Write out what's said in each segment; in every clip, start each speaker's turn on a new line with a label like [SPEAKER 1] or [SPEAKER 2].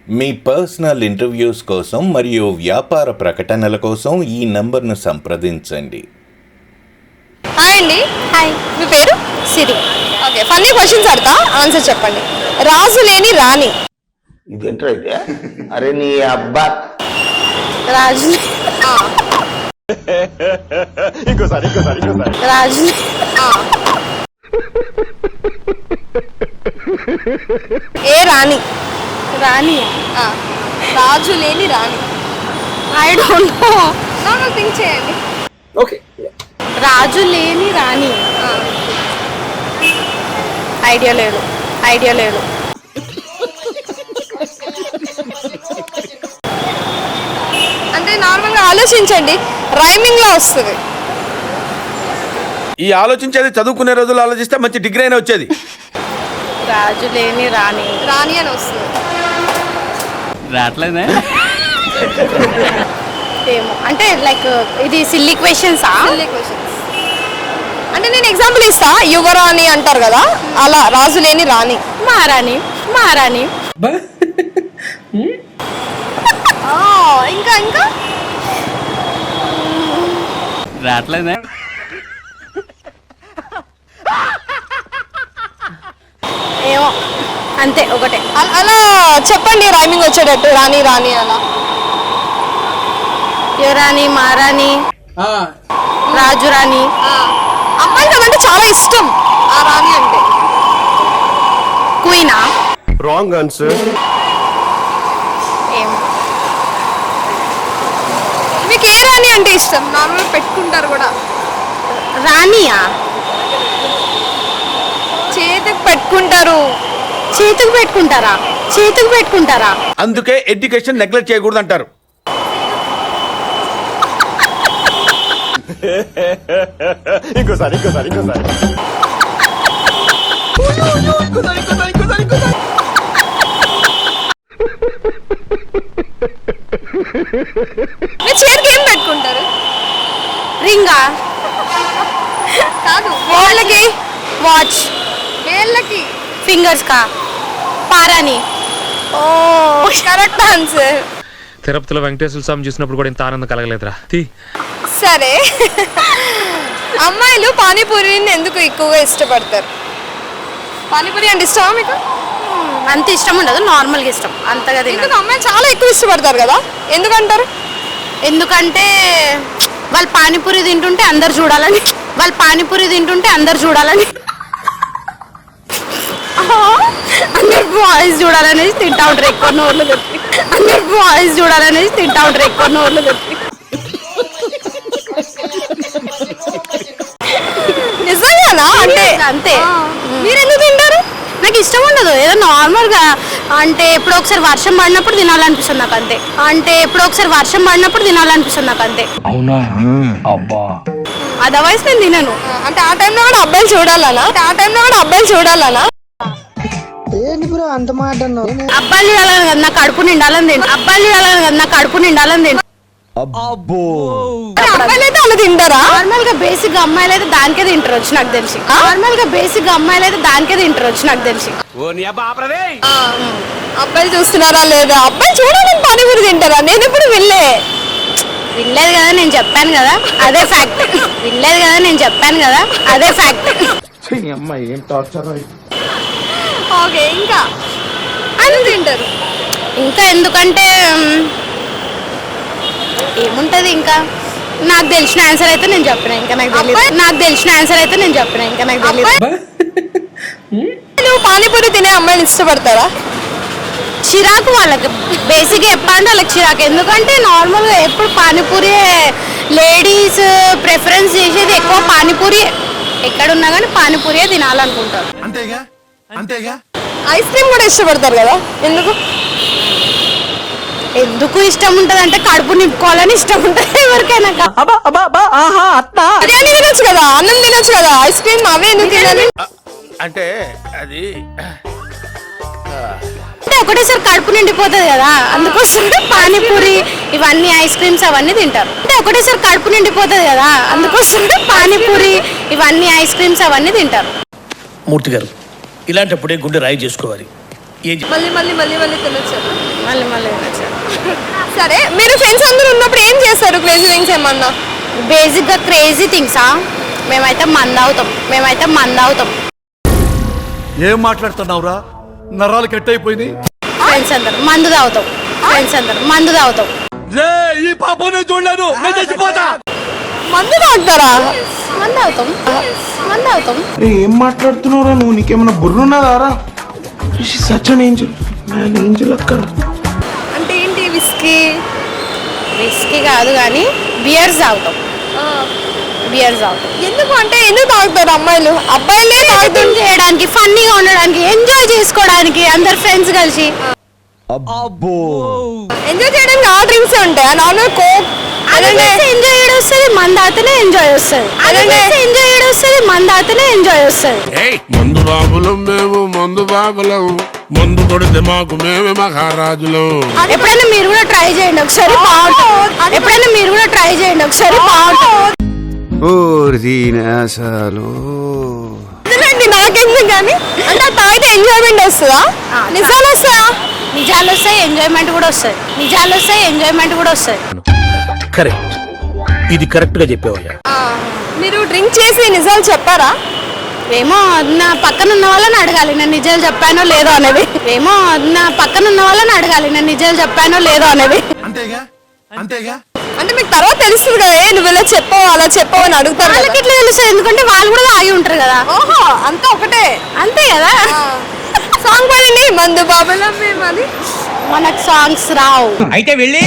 [SPEAKER 1] మీ personal interviews కోసం మరియు వ్యాపార ప్రకటనల కోసం ఈ నంబర్ను సంప్రదించండి.
[SPEAKER 2] హాయ్ అండి.
[SPEAKER 3] హాయ్,
[SPEAKER 2] మీ పేరు?
[SPEAKER 3] సిరి.
[SPEAKER 2] ఓకే, ఫన్నీ క్వశ్చన్స్ అడతా, ఆన్సర్ చెప్పండి. రాజు లేని రాణి.
[SPEAKER 4] ఇదేంట్రా అయితే? అరే నీ అబ్బా.
[SPEAKER 3] రాజు రాజు
[SPEAKER 2] ఏ రాణి?
[SPEAKER 3] రాణి.
[SPEAKER 2] రాజు లేని రాణి.
[SPEAKER 3] I don't know.
[SPEAKER 2] Normal think చేయండి.
[SPEAKER 4] ఓకే,
[SPEAKER 3] రాజు లేని రాణి. ఐడియా లేదు.
[SPEAKER 2] అంటే నార్మల్గా ఆలోచించండి, రైమింగ్ లో వస్తుంది.
[SPEAKER 5] ఈ ఆలోచించేది చదువుకునే రోజులు ఆలోచిస్తే మంచి డిగ్రీ అయినా వచ్చేది.
[SPEAKER 3] రాజు లేని రాణి.
[SPEAKER 2] రాణి అని వస్తుంది.
[SPEAKER 6] రావట్లేదే
[SPEAKER 3] ఏమో, అంటే లైక్ ఇది సిల్లీ క్వశ్చన్స్.
[SPEAKER 2] Silly questions. అంటే నేను ఎగ్జాంపుల్ ఇస్తా, యువరాణి అంటారు కదా, అలా రాజు లేని రాణి.
[SPEAKER 3] మహారాణి.
[SPEAKER 2] ఇంకా ఇంకా
[SPEAKER 6] రావట్లేదే
[SPEAKER 3] ఏమో, అంతే ఒకటే.
[SPEAKER 2] అలా చెప్పండి, రైమింగ్ వచ్చేటట్టు. రాణి రాణి అలా.
[SPEAKER 3] యువరాణి, మహారాణి, రాజు రాణి.
[SPEAKER 2] అమ్మాయికి అదంటే చాలా ఇష్టం, ఆ రాణి అంటే.
[SPEAKER 3] క్వీనా?
[SPEAKER 5] Wrong answer.
[SPEAKER 3] ఏమో.
[SPEAKER 2] మీకు ఏ రాణి అంటే ఇష్టం? నార్మల్ పెట్టుకుంటారు కూడా.
[SPEAKER 3] రాణియా?
[SPEAKER 2] చేతికి పెట్టుకుంటారు.
[SPEAKER 3] చేతికి పెట్టుకుంటారా?
[SPEAKER 5] అందుకే ఎడ్యుకేషన్ నెగ్లెక్ట్ చేయకూడదు అంటారు. ఇంకోసారి
[SPEAKER 2] మీరు చేతికి ఏం పెట్టుకుంటారు?
[SPEAKER 3] రింగా?
[SPEAKER 2] కాదు,
[SPEAKER 3] వాళ్ళకి వాచ్.
[SPEAKER 2] వేళ్ళకి.
[SPEAKER 3] ఫింగర్స్ కా? పారాని.
[SPEAKER 2] ఓ, కరెక్ట్ ఆన్సర్.
[SPEAKER 7] తిరుపతిలో వెంకటేశ్వర స్వామి చూసినప్పుడు కూడా ఇంత ఆనందం కలగలేదురా.
[SPEAKER 2] సరే, అమ్మాయిలు పానీపూరిని ఎందుకు ఎక్కువగా ఇష్టపడతారు? పానీపూరి అంటే ఇష్టమా మీకు?
[SPEAKER 3] అంత ఇష్టం ఉండదు, నార్మల్గా ఇష్టం. అంతగా
[SPEAKER 2] ఎందుకు? అమ్మాయిలు చాలా ఎక్కువ ఇష్టపడతారు కదా, ఎందుకంటారు?
[SPEAKER 3] ఎందుకంటే వాళ్ళు పానీపూరి తింటుంటే అందరు చూడాలని. అందరు బాయ్స్ చూడాలనేసి తింటా ఉంటారు ఎక్కువ నోర్లు తెప్పి.
[SPEAKER 2] నిజంగానా? అంటే
[SPEAKER 3] అంతే.
[SPEAKER 2] మీరు ఎందుకు తింటారు?
[SPEAKER 3] నాకు ఇష్టం ఉండదు, ఏదో నార్మల్గా. అంటే ఎప్పుడో ఒకసారి వర్షం పడినప్పుడు తినాలనిపిస్తుంది నాకు అంతే.
[SPEAKER 6] అవునా? అబ్బా,
[SPEAKER 3] అదర్వైజ్ నేను తినను.
[SPEAKER 2] అంటే ఆ టైంలో కూడా అబ్బాయిలు చూడాలనా?
[SPEAKER 3] అబ్బాయిలు చూడాలని కదా, నా కడుపు నిండాలని తింటా.
[SPEAKER 2] అబ్బాయిలు అయితే అలా తింటారా?
[SPEAKER 3] నార్మల్ గా బేసిక్ అమ్మాయిలు అయితే దానికే తింటారు వచ్చి నాకు తెలిసి.
[SPEAKER 2] అబ్బాయిలు చూస్తున్నారా లేదా? అబ్బాయిలు చూడాలని పానీపూరి తింటారా? నేను ఎప్పుడు
[SPEAKER 3] వినలేదు కదా, నేను చెప్పాను కదా, అదే ఫ్యాక్ట్.
[SPEAKER 4] ఏం టార్చర్.
[SPEAKER 2] ఓకే, ఇంకా అది తింటారు.
[SPEAKER 3] ఇంకా ఎందుకంటే ఏముంటది ఇంకా, నాకు తెలిసిన ఆన్సర్ అయితే నేను చెప్పిన. ఇంకా నాకు తెలియదు.
[SPEAKER 2] నువ్వు పానీపూరి తినే అమ్మాయిని ఇష్టపడతారా?
[SPEAKER 3] చిరాకు వాళ్ళకి. బేసిక్గా చెప్పాలంటే వాళ్ళకి చిరాకు. ఎందుకంటే నార్మల్గా ఎప్పుడు పానీపూరి లేడీస్ ప్రిఫరెన్స్ చేసేది ఎక్కువ పానీపూరి. ఎక్కడున్నా కానీ పానీపూరియే తినాలనుకుంటారు.
[SPEAKER 5] అంతేగా.
[SPEAKER 2] ఐస్ క్రీమ్ కూడా ఇష్టపడతారు కదా,
[SPEAKER 3] ఎందుకు ఇష్టం ఉంటుంది అంటే కడుపు నింపుకోవాలని ఇష్టం ఉంటుంది ఎవరికైనా.
[SPEAKER 2] బిర్యానీ తినొచ్చు కదా, అన్నం తినొచ్చు కదా, ఐస్ క్రీమ్ అవే ఎందుకు తినాలి?
[SPEAKER 5] అంటే అది
[SPEAKER 3] అంటే ఒకటేసారి కడుపు నిండిపోతుంది కదా, అందుకోసం పానీపూరి ఇవన్నీ ఐస్ క్రీమ్స్ అవన్నీ తింటారు.
[SPEAKER 8] మూర్తి గారు, ఇలాంటప్పుడే గుండె రాయి చేసుకోవాలి.
[SPEAKER 2] మళ్ళీ తినొచ్చు.
[SPEAKER 3] మళ్ళీ మళ్ళీ వినొచ్చాడు.
[SPEAKER 2] సరే మీరు ఫ్రెండ్స్ అందరూ ఉన్నప్పుడు ఏం చేస్తారు క్రేజీ థింగ్స్ ఏమన్నా?
[SPEAKER 3] బేసిక్గా క్రేజీ థింగ్సా, మేమైతే మంద అవుతాం.
[SPEAKER 5] ఏం మాట్లాడుతున్నావురా? నరాలు కట్ అయిపోయింది.
[SPEAKER 3] ఫ్రెండ్స్ అందరు మందు తాగుతాం.
[SPEAKER 5] ఈ పాపనే చూడలేదు, నేను చచ్చిపోతా.
[SPEAKER 2] మందు తాగుతారా?
[SPEAKER 3] మందు అవుతాం.
[SPEAKER 4] ఏం మాట్లాడుతున్నావురా నువ్వు? నీకేమన్నా బుర్రున్నదారా? Such an angel, man angel అక్కడ.
[SPEAKER 2] అంటే ఏంటి విస్కీ?
[SPEAKER 3] విస్కీ కాదు కానీ బియర్స్ తాగుతాం.
[SPEAKER 2] ఎందుకు అంటే ఎందుకు తాగుతారు అమ్మాయిలు? అబ్బాయిలే తాగుతారు
[SPEAKER 3] చేయడానికి, ఫన్నీగా ఉండడానికి, ఎంజాయ్ చేసుకోవడానికి అందరు ఫ్రెండ్స్ కలిసి.
[SPEAKER 2] ఎంజాయ్ చేయడానికి ఆ డ్రింక్స్ ఉంటాయా? నార్మల్ కోక్
[SPEAKER 3] ఎంజాయ్ వస్తుంది, మంద తాగితేనే ఎంజాయ్ వస్తుంది.
[SPEAKER 8] మందు బాబులం మేము, మందు బాబులం, మందు కొడితే మాకు మేమే మహారాజులం.
[SPEAKER 3] ఎప్పుడైనా మీరు కూడా ట్రై చేయండి ఒకసారి, బాగుంటుంది.
[SPEAKER 2] నాకెందుకు కానీ అంటే తాగితే ఎంజాయ్మెంట్ వస్తుందా? నిజాలు వస్తాయా?
[SPEAKER 3] నిజాలు వస్తాయి, ఎంజాయ్మెంట్ కూడా వస్తుంది.
[SPEAKER 5] కరెక్ట్, ఇది కరెక్ట్ గా చెప్పేవయ్యా.
[SPEAKER 2] మీరు డ్రింక్ చేసి నిజాలు చెప్పారా?
[SPEAKER 3] ఏమో నా పక్కన ఉన్న వాళ్ళని అడగాలి నేను నిజాలు చెప్పానో లేదో అనేది.
[SPEAKER 5] అంతేగా
[SPEAKER 2] అంటే మీకు తర్వాత తెలుస్తుంది కదా, నువ్వు ఇలా చెప్పావు అలా చెప్పావు అని అడుగుతారు.
[SPEAKER 3] వాళ్ళకి ఎట్లా తెలుస్తుంది? ఎందుకంటే వాళ్ళు కూడా ఆగి ఉంటారు కదా.
[SPEAKER 2] ఓహో, అంతా ఒకటే.
[SPEAKER 3] అంతే కదా.
[SPEAKER 2] సాంగ్ పాడండి, మందు బాబులం మేము. అది
[SPEAKER 3] మనకు సాంగ్స్ రావు.
[SPEAKER 6] అయితే వెళ్ళి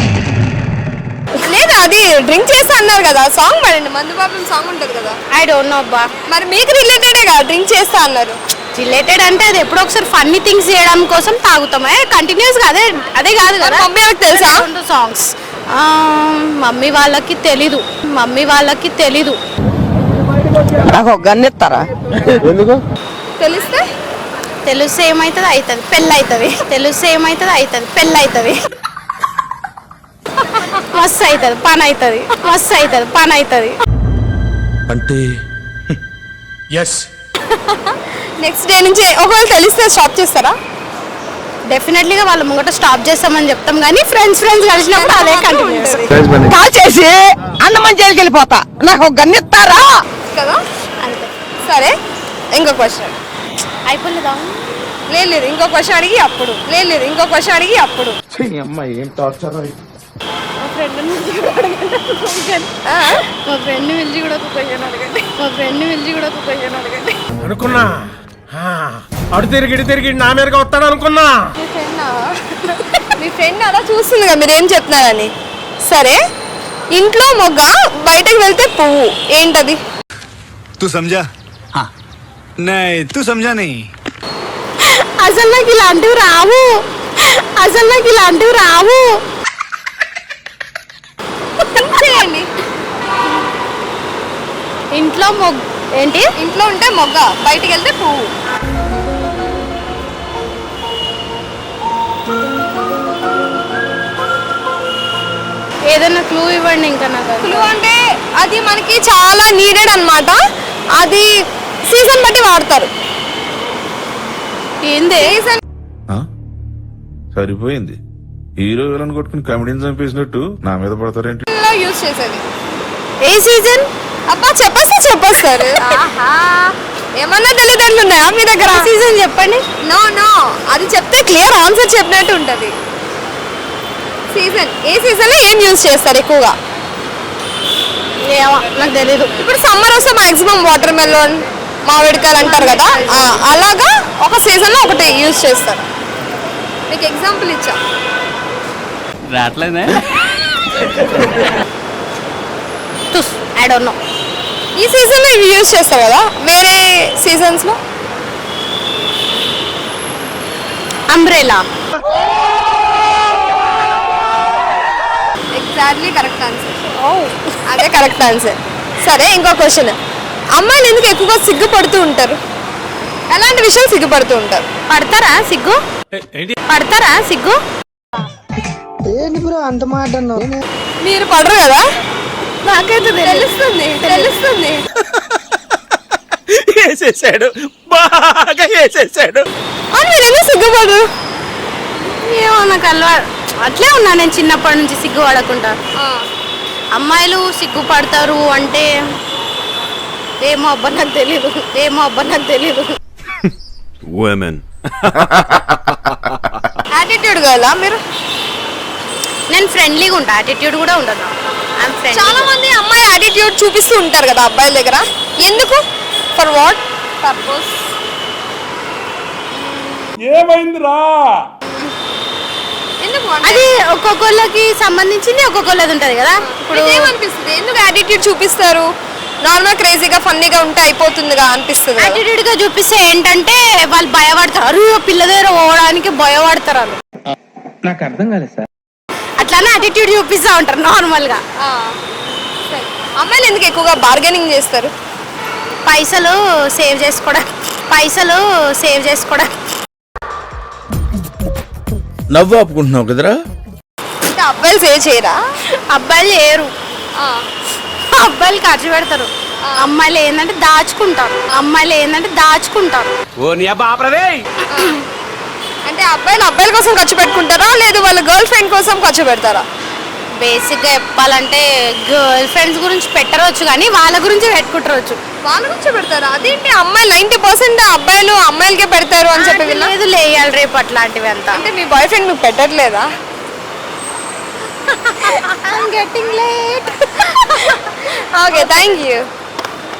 [SPEAKER 2] లేదా అది డ్రింక్ చేస్తా అన్నారు కదా, సాంగ్ పాడండి. మందు బాబులం సాంగ్ ఉంటది కదా.
[SPEAKER 3] ఐ డోంట్ నో అబ్బా.
[SPEAKER 2] మరి మీకు రిలేటెడే కదా డ్రింక్ చేస్తా అన్నారు.
[SPEAKER 3] రిలేటెడ్ అంటే అది ఎప్పుడో ఒకసారి ఫన్నీ థింగ్స్ చేయడం కోసం తాగుతామే, కంటిన్యూస్ గా అదే కాదు కదా.
[SPEAKER 2] మమ్మీ వాళ్ళకి తెలుసా
[SPEAKER 3] సాంగ్స్? మమ్మీ వాళ్ళకి తెలీదు.
[SPEAKER 9] నాకు ఒక గన్ ఇస్తారా?
[SPEAKER 2] తెలిస్తే
[SPEAKER 3] ఏమైతుంది అవుతుంది, పెళ్ళి అవుతుంది. మస్తు అవుతుంది పని అవుతుంది.
[SPEAKER 5] అంటే ఎస్.
[SPEAKER 2] నెక్స్ట్ డే నుంచి ఒకవేళ తెలిస్తే స్టాప్ చేస్తారా?
[SPEAKER 3] డెఫినెట్లీగా వాళ్ళ ముంగట స్టాప్ చేస్తామని చెప్తాం కానీ ఫ్రెండ్స్ కలిసినప్పుడు అదే కంటిన్యూ
[SPEAKER 9] కాల్ చేసి అన్నమని జైలుకి వెళ్ళిపోతా. నాకు ఒక గన్ ఇస్తారా
[SPEAKER 2] కదా.
[SPEAKER 3] అంతే.
[SPEAKER 2] సరే, ఇంకో క్వశ్చన్.
[SPEAKER 3] అయిపోలేదా?
[SPEAKER 2] లేదు, ఇంకో క్వశ్చన్ అడిగి అప్పుడు.
[SPEAKER 4] అమ్మాయి ఏం టార్చర్.
[SPEAKER 3] మా ఫ్రెండ్ పిలిచి కూడా ఒక క్వశ్చన్ అడగండి.
[SPEAKER 5] అనుకున్నా అడు తిరిగి నా మీదగా వస్తాడు అనుకున్నా.
[SPEAKER 2] మీ ఫ్రెండ్ అలా చూస్తుంది కదా మీరు ఏం చెప్తున్నారని. సరే, ఇంట్లో మొగ్గ, బయటకు వెళ్తే పువ్వు, ఏంటది?
[SPEAKER 10] तू समझा? हाँ नहीं तू समझा नहीं.
[SPEAKER 3] అసలు నాకు ఇలాంటివి రావు.
[SPEAKER 2] చేయండి.
[SPEAKER 3] ఇంట్లో ఏంటి?
[SPEAKER 2] ఇంట్లో ఉంటే మొగ్గ, బయటికి వెళ్తే పువ్వు.
[SPEAKER 3] ఏదైనా క్లూ ఇవ్వండి. ఇంకా నాకు
[SPEAKER 2] క్లూ అంటే అది మనకి చాలా నీడెడ్ అన్నమాట. అది సీజన్ బట్టి వాడతారు.
[SPEAKER 3] ఏంది?
[SPEAKER 8] సరిపోయింది. హీరో విలన్ కొట్టుకుని కమెడీని చంపేసినట్టు నా మీద పడతారేంటి?
[SPEAKER 2] యూజ్ చేసేది
[SPEAKER 3] ఏ సీజన్?
[SPEAKER 2] అబ్బా చెప్పేస్తారు. ఏమన్నా తెలియదండ్లు ఉన్నాయా మీ దగ్గర?
[SPEAKER 3] సీజన్ చెప్పండి.
[SPEAKER 2] నో, అది చెప్తే క్లియర్ ఆన్సర్ చెప్పినట్టు ఉంటది. సీజన్, ఏ సీజన్ లో ఏం యూజ్ చేస్తారు ఎక్కువగా?
[SPEAKER 3] నాకు తెలీదు.
[SPEAKER 2] ఇప్పుడు సమ్మర్ వస్తే మాక్సిమం వాటర్ మెలోన్, మామిడికాయలు అంటారు కదా, అలాగా ఒక సీజన్ లో ఒకటి యూజ్ చేస్తారు. మీకు ఎగ్జాంపుల్ ఇచ్చా.
[SPEAKER 6] రావట్లేదే.
[SPEAKER 3] I don't know.
[SPEAKER 2] ఈ సీజన్ లో ఇవి యూజ్ చేస్తారు కదా, వేరే సీజన్స్ లో?
[SPEAKER 3] అంబ్రెలా.
[SPEAKER 2] Exactly correct answer. అదే కరెక్ట్ ఆన్సర్. సరే, ఇంకో క్వశ్చన్. అమ్మాయిలు ఎందుకు ఎక్కువగా సిగ్గుపడుతూ ఉంటారు? ఎలాంటి విషయాలు సిగ్గుపడుతూ ఉంటారు?
[SPEAKER 3] పడతారా సిగ్గు?
[SPEAKER 9] ఏంటి బ్రో అంత మాట అన్నావు?
[SPEAKER 2] మీరు పడరు కదా?
[SPEAKER 3] నాకైతే
[SPEAKER 2] తెలుస్తుంది.
[SPEAKER 5] వేసేసాడు, బాగా వేసేసాడు.
[SPEAKER 2] మీరు ఎందుకు సిగ్గుపడరు?
[SPEAKER 3] ఏమో నాకు అట్లే ఉన్నా నేను చిన్నప్పటి నుంచి సిగ్గుపడకుండా. అమ్మాయిలు సిగ్గుపడతారు అంటే ఏమో అబ్బా నాకు తెలీదు.
[SPEAKER 2] యాటిట్యూడ్ గర్లా మీరు?
[SPEAKER 3] నేను ఫ్రెండ్లీగా ఉంటా, యాటిట్యూడ్ కూడా ఉండదు.
[SPEAKER 2] చాలా మంది అమ్మాయి యాటిట్యూడ్ చూపిస్తూ ఉంటారు కదా అబ్బాయిల దగ్గర, ఎందుకు? For what purpose? ఎందుకు
[SPEAKER 3] అది ఒక్కొక్కళ్ళకి సంబంధించింది ఒక్కొక్కళ్ళది ఉంటది కదా. ఇప్పుడు
[SPEAKER 2] ఏమనిపిస్తుంది, ఎందుకు యాటిట్యూడ్ చూపిస్తారు? నార్మల్ క్రేజీగా ఫన్నీగా ఉంటే అయిపోతుందిగా అనిపిస్తుంది.
[SPEAKER 3] యాటిట్యూడ్ గా చూపిస్తే ఏంటంటే వాళ్ళు భయపడతారు, అరు పిల్ల దగ్గర పోవడానికి భయపడతారు వాళ్ళు.
[SPEAKER 5] నాకు అర్థం కాలేదు సార్.
[SPEAKER 3] అట్లానే యాటిట్యూడ్ చూపిస్తూ ఉంటారు నార్మల్ గా.
[SPEAKER 2] అమ్మాయిలు ఎందుకు ఎక్కువగా బార్గెనింగ్ చేస్తారు?
[SPEAKER 3] పైసలు సేవ్ చేసుకోవడం.
[SPEAKER 4] నవ్వు ఆపుకుంటున్నావు కదరా.
[SPEAKER 2] అంటే అబ్బాయిలు సేవ్ చేయరా?
[SPEAKER 3] అబ్బాయిలు చేయరు, అబ్బాయిలు ఖర్చు పెడతారు. అమ్మాయిలు ఏంటంటే దాచుకుంటారు.
[SPEAKER 2] అంటే అబ్బాయిల కోసం ఖర్చు పెట్టుకుంటారా, లేదు వాళ్ళ గర్ల్ ఫ్రెండ్ కోసం ఖర్చు పెడతారా?
[SPEAKER 3] బేసిక్ గా చెప్పాలంటే గర్ల్ ఫ్రెండ్స్ గురించి పెట్టవచ్చు కానీ వాళ్ళ గురించి పెట్టుకుంటారు.
[SPEAKER 2] వాళ్ళ గురించి పెడతారా? అదేంటి అమ్మాయిలు 90% అబ్బాయిలు అమ్మాయిలకే పెడతారు అని చెప్పి విన్నా.
[SPEAKER 3] లేదు లేయాలి రేపు అట్లాంటివి అంతా.
[SPEAKER 2] అంటే మీ బాయ్ ఫ్రెండ్ నువ్వు పెట్టట్లేదా?
[SPEAKER 3] I'm getting late.
[SPEAKER 2] Okay, thank you.